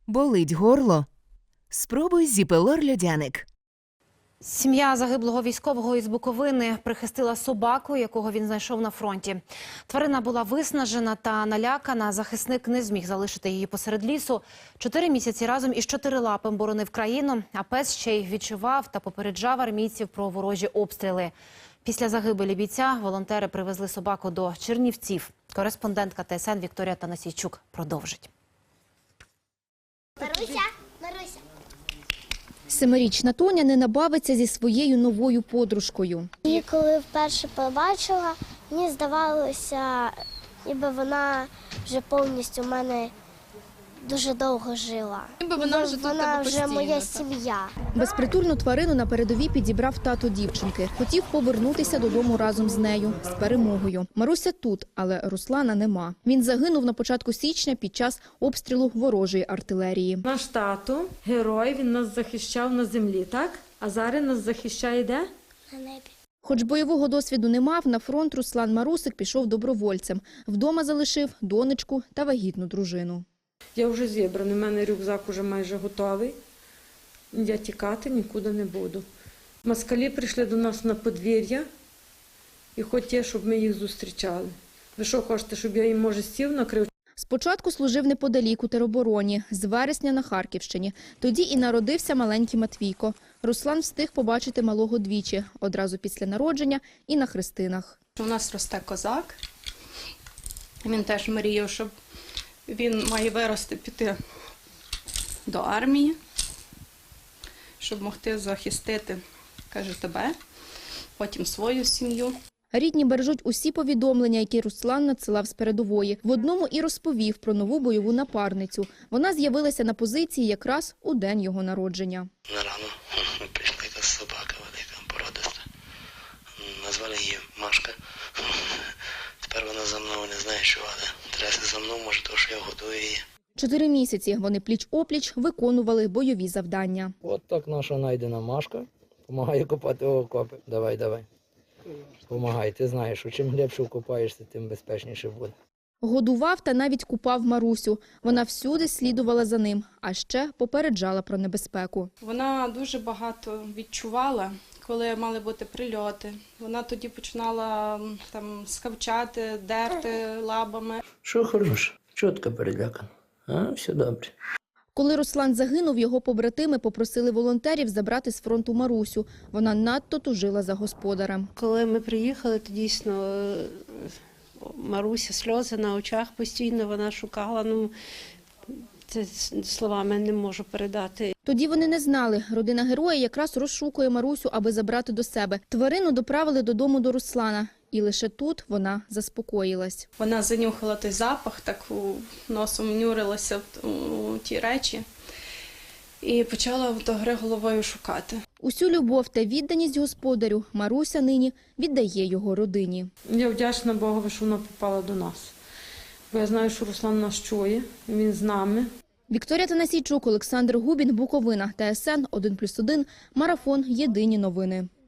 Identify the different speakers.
Speaker 1: Болить горло? Спробуй Зіпелор-льодяник.
Speaker 2: Сім'я загиблого військового із Буковини прихистила собаку, якого він знайшов на фронті. Тварина була виснажена та налякана. Захисник не зміг залишити її посеред лісу. 4 місяці разом із чотирилапим боронив країну, а пес ще й відчував та попереджав армійців про ворожі обстріли. Після загибелі бійця волонтери привезли собаку до Чернівців. Кореспондентка ТСН Вікторія Танасійчук продовжить.
Speaker 3: Маруся, Маруся.
Speaker 4: 7-річна Тоня не набавиться зі своєю новою подружкою.
Speaker 3: Її коли вперше побачила, мені здавалося, ніби вона вже повністю в мене дуже довго жила. Вона вже моя сім'я.
Speaker 4: Безпритульну тварину на передовій підібрав тато дівчинки. Хотів повернутися додому разом з нею, з перемогою. Маруся тут, але Руслана нема. Він загинув на початку січня під час обстрілу ворожої артилерії.
Speaker 5: Наш тато – герой, він нас захищав на землі, так? А зараз нас захищає де?
Speaker 3: На небі.
Speaker 4: Хоч бойового досвіду не мав, на фронт Руслан Марусик пішов добровольцем. Вдома залишив донечку та вагітну дружину.
Speaker 5: Я вже зібраний, у мене рюкзак уже майже готовий. Я тікати нікуди не буду. Москалі прийшли до нас на подвір'я і хотіли, щоб ми їх зустрічали. Ви що хочете, щоб я їм, може, стіл накрив?
Speaker 4: Спочатку служив неподалік у теробороні, з вересня на Харківщині. Тоді і народився маленький Матвійко. Руслан встиг побачити малого двічі, одразу після народження і на хрестинах.
Speaker 6: У нас росте козак. Він теж мріяв, щоб він має вирости, піти до армії, щоб могти захистити, каже, тебе, потім свою сім'ю.
Speaker 4: Рідні бережуть усі повідомлення, які Руслан надсилав з передової. В одному і розповів про нову бойову напарницю. Вона з'явилася на позиції якраз у день його народження.
Speaker 7: Рано прийшла якась собака велика, породиста. Назвали її Машка. Тепер вона за мною не знає, що, але трясе за мною, може, тому що я годую її.
Speaker 4: 4 місяці вони пліч-опліч виконували бойові завдання.
Speaker 8: От так наша найдена Машка допомагає копати окопи. Давай. Помагай, ти знаєш, що чим глибше вкопаєшся, тим безпечніше буде.
Speaker 4: Годував та навіть купав Марусю. Вона всюди слідувала за ним, а ще попереджала про небезпеку.
Speaker 6: Вона дуже багато відчувала, коли мали бути прильоти. Вона тоді починала там скавчати, дерти лабами.
Speaker 8: Що хороше? Чого така перелякана? А, все добре.
Speaker 4: Коли Руслан загинув, його побратими попросили волонтерів забрати з фронту Марусю. Вона надто тужила за господарем.
Speaker 9: Коли ми приїхали, то дійсно Маруся, сльози на очах постійно, вона шукала. Це словами не можу передати.
Speaker 4: Тоді вони не знали. Родина героя якраз розшукує Марусю, аби забрати до себе. Тварину доправили додому до Руслана. І лише тут вона заспокоїлась.
Speaker 6: Вона занюхала той запах, так носом нюрилася у ті речі і почала до гри головою шукати.
Speaker 4: Усю любов та відданість господарю Маруся нині віддає його родині.
Speaker 5: Я вдячна Богові, що вона попала до нас. Бо я знаю, що Руслан нас чує, він з нами.
Speaker 4: Вікторія Танасійчук, Олександр Губін, Буковина, ТСН 1+1, Марафон. Єдині новини.